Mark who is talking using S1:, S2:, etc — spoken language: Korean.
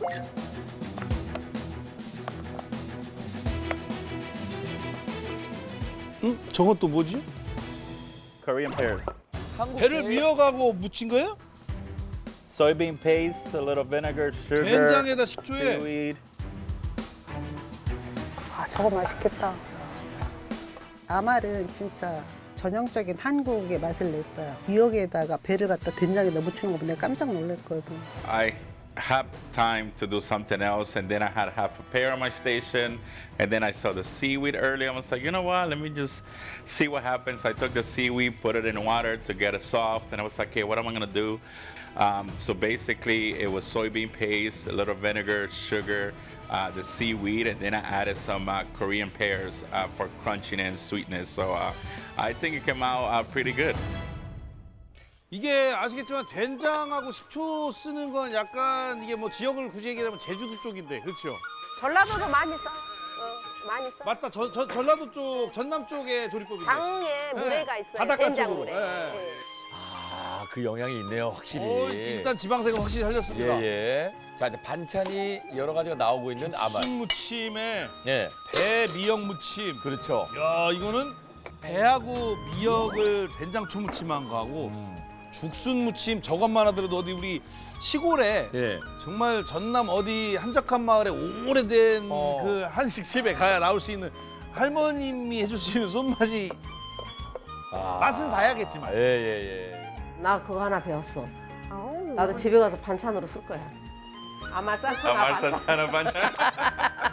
S1: 응? 저건 또 뭐지?
S2: Korean pears.
S1: 배를 미어가고 무친 거예요?
S2: Soybean paste, a little vinegar, sugar,
S1: 된장에다 식초에.
S2: seaweed.
S3: 아, 저거 맛있겠다. 아말은 진짜 전형적인 한국의 맛을 냈어요. 미역에다가 배를 갖다 된장에다 묻히는 거 보면 내가 깜짝 놀랐거든.
S4: I had time to do something else, and then I had half a pear on my station, and then I saw the seaweed earlier. I was like, you know what? Let me just see what happens. I took the seaweed, put it in water to get it soft, and I was like, okay, what am I gonna do? So basically, it was soybean paste, a little vinegar, sugar, the seaweed, and then I added some Korean pears for crunchiness and sweetness. So I think it came out pretty good.
S1: 이게 아시겠지만 된장하고 식초 쓰는 건 약간 이게 뭐 지역을 굳이 얘기하면 제주도 쪽인데 그렇죠?
S5: 전라도도 많이 써. 많이 써.
S1: 맞다. 전라도 쪽, 전남 쪽의 조리법인데.
S5: 강에 물회가 있어요.
S1: 바닷가
S5: 된장
S1: 쪽으로.
S5: 물회.
S1: 예, 예.
S5: 예.
S6: 아, 그 영향이 있네요, 확실히.
S1: 일단 지방색은 확실히 살렸습니다.
S6: 예. 자, 이제 반찬이 여러 가지가 나오고 있는 아말.
S1: 죽순 무침에
S6: 예,
S1: 배 미역 무침.
S6: 그렇죠.
S1: 야 이거는 배하고 미역을 된장초 무침한 거하고 죽순 무침 저것만 하더라도 어디 우리 시골에
S6: 예.
S1: 정말 전남 어디 한적한 마을에 오래된 그 한식집에 가야 나올 수 있는 할머님이 해줄 수 있는 손맛이 맛은 봐야겠지만
S6: 예, 예.
S5: 나 그거 하나 배웠어.
S3: 아우,
S5: 나도 집에 가서 반찬으로 쓸 거야. 아말 산타나
S4: Amar
S5: 반찬.
S4: Santana Bancha.